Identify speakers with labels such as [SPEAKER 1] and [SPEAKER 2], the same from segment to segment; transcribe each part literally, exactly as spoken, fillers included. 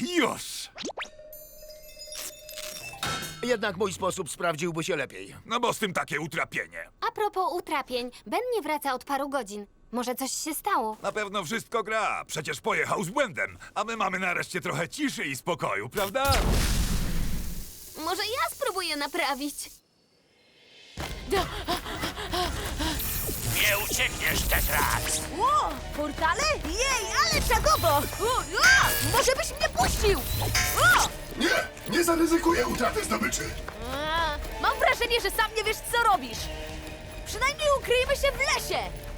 [SPEAKER 1] już!
[SPEAKER 2] Jednak mój sposób sprawdziłby się lepiej.
[SPEAKER 1] No bo z tym takie utrapienie.
[SPEAKER 3] A propos utrapień, Ben nie wraca od paru godzin. Może coś się stało?
[SPEAKER 1] Na pewno wszystko gra. Przecież pojechał z błędem. A my mamy nareszcie trochę ciszy i spokoju, prawda?
[SPEAKER 3] Może ja spróbuję naprawić.
[SPEAKER 4] Nie uciekniesz, Tetrax!
[SPEAKER 5] Ło, portale? Jej, ale czagowo! O, o, może byś mnie puścił! O!
[SPEAKER 6] Nie! Nie zaryzykuję utraty zdobyczy!
[SPEAKER 5] A, mam wrażenie, że sam nie wiesz, co robisz. Przynajmniej ukryjmy się w lesie.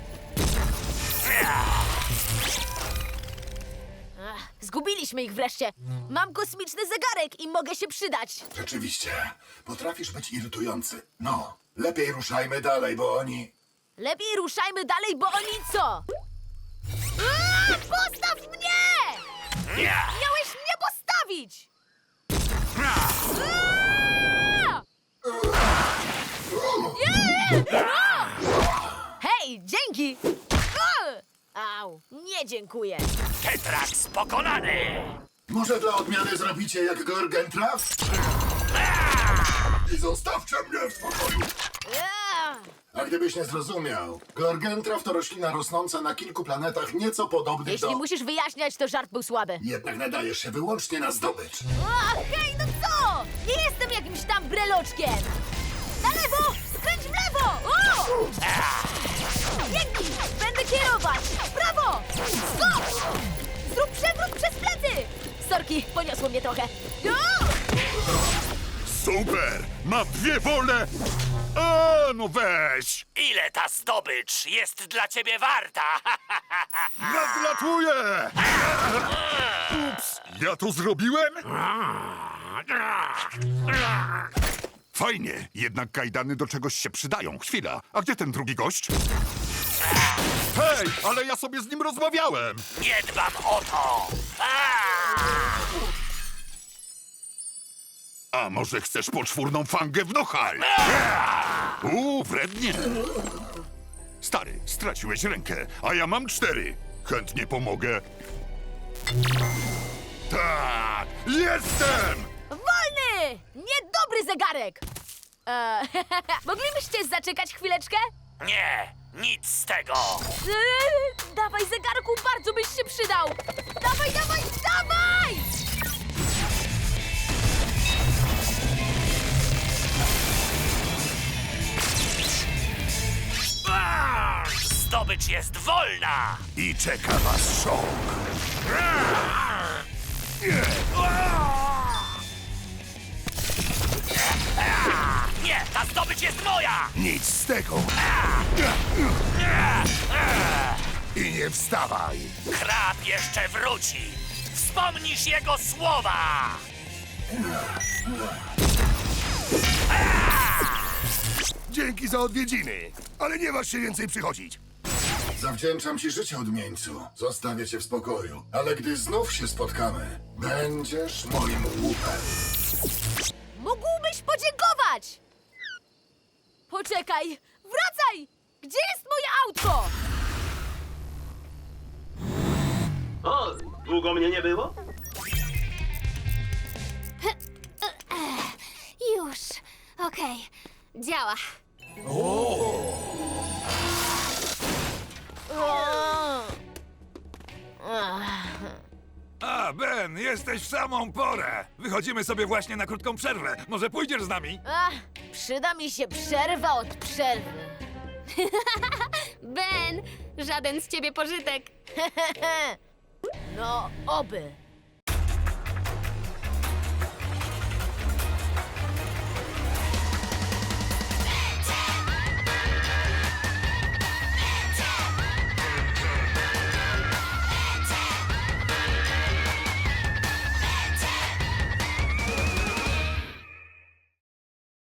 [SPEAKER 5] Ach, zgubiliśmy ich wreszcie. Mam kosmiczny zegarek i mogę się przydać.
[SPEAKER 6] Rzeczywiście, potrafisz być irytujący. No, lepiej ruszajmy dalej, bo oni...
[SPEAKER 5] Lepiej ruszajmy dalej, bo oni co? A, postaw mnie! Miałeś mnie postawić! A! Nie! A! Hej, dzięki! A! Au, nie dziękuję.
[SPEAKER 4] Tetrax pokonany!
[SPEAKER 6] Może dla odmiany zrobicie jak Gorgentraf? I zostawcie mnie w spokoju!
[SPEAKER 5] A!
[SPEAKER 6] A gdybyś nie zrozumiał, Gorgentraf to roślina rosnąca na kilku planetach nieco podobnych
[SPEAKER 5] Jeśli
[SPEAKER 6] do...
[SPEAKER 5] musisz wyjaśniać, to żart był słaby.
[SPEAKER 6] Jednak nadajesz się wyłącznie na zdobycz.
[SPEAKER 5] A, hej, no co? Nie jestem jakimś tam breloczkiem! Na lewo! Skręć w lewo! O! Biegnij! Będę kierować! W prawo! Skocz! Zrób przewrót przez plecy! Sorki, poniosło mnie trochę. O!
[SPEAKER 1] Super! Mam dwie wolne... A, no weź!
[SPEAKER 4] Ile ta zdobycz jest dla ciebie warta?
[SPEAKER 1] Gratuluję! Ups, ja to zrobiłem? Fajnie, jednak kajdany do czegoś się przydają. Chwila, a gdzie ten drugi gość? Hej, ale ja sobie z nim rozmawiałem!
[SPEAKER 4] Nie dbam o to!
[SPEAKER 1] A może chcesz poczwórną fangę w nochal? Uuu, wrednie. Stary, straciłeś rękę, a ja mam cztery. Chętnie pomogę. Tak, jestem!
[SPEAKER 5] Wolny! Niedobry zegarek! Eee, moglibyście zaczekać chwileczkę?
[SPEAKER 4] Nie, nic z tego!
[SPEAKER 5] Eee, dawaj, zegarku, bardzo byś się przydał! Dawaj, dawaj, dawaj!
[SPEAKER 4] Zdobycz jest wolna!
[SPEAKER 1] I czeka was szok.
[SPEAKER 4] Nie, ta zdobycz jest moja!
[SPEAKER 1] Nic z tego. I nie wstawaj.
[SPEAKER 4] Krab jeszcze wróci! Wspomnisz jego słowa!
[SPEAKER 1] Dzięki za odwiedziny, ale nie masz się więcej przychodzić.
[SPEAKER 6] Zawdzięczam ci życie, odmieńcu. Zostawię cię w spokoju. Ale gdy znów się spotkamy, będziesz moim łupem.
[SPEAKER 5] Mógłbyś podziękować! Poczekaj! Wracaj! Gdzie jest moje autko?
[SPEAKER 7] O, długo mnie nie było?
[SPEAKER 3] Już. Okej. Działa.
[SPEAKER 1] A, Ben, jesteś w samą porę. Wychodzimy sobie właśnie na krótką przerwę. Może pójdziesz z nami?
[SPEAKER 5] Ach, przyda mi się przerwa od przerwy.
[SPEAKER 3] Ben, żaden z ciebie pożytek.
[SPEAKER 5] No, oby.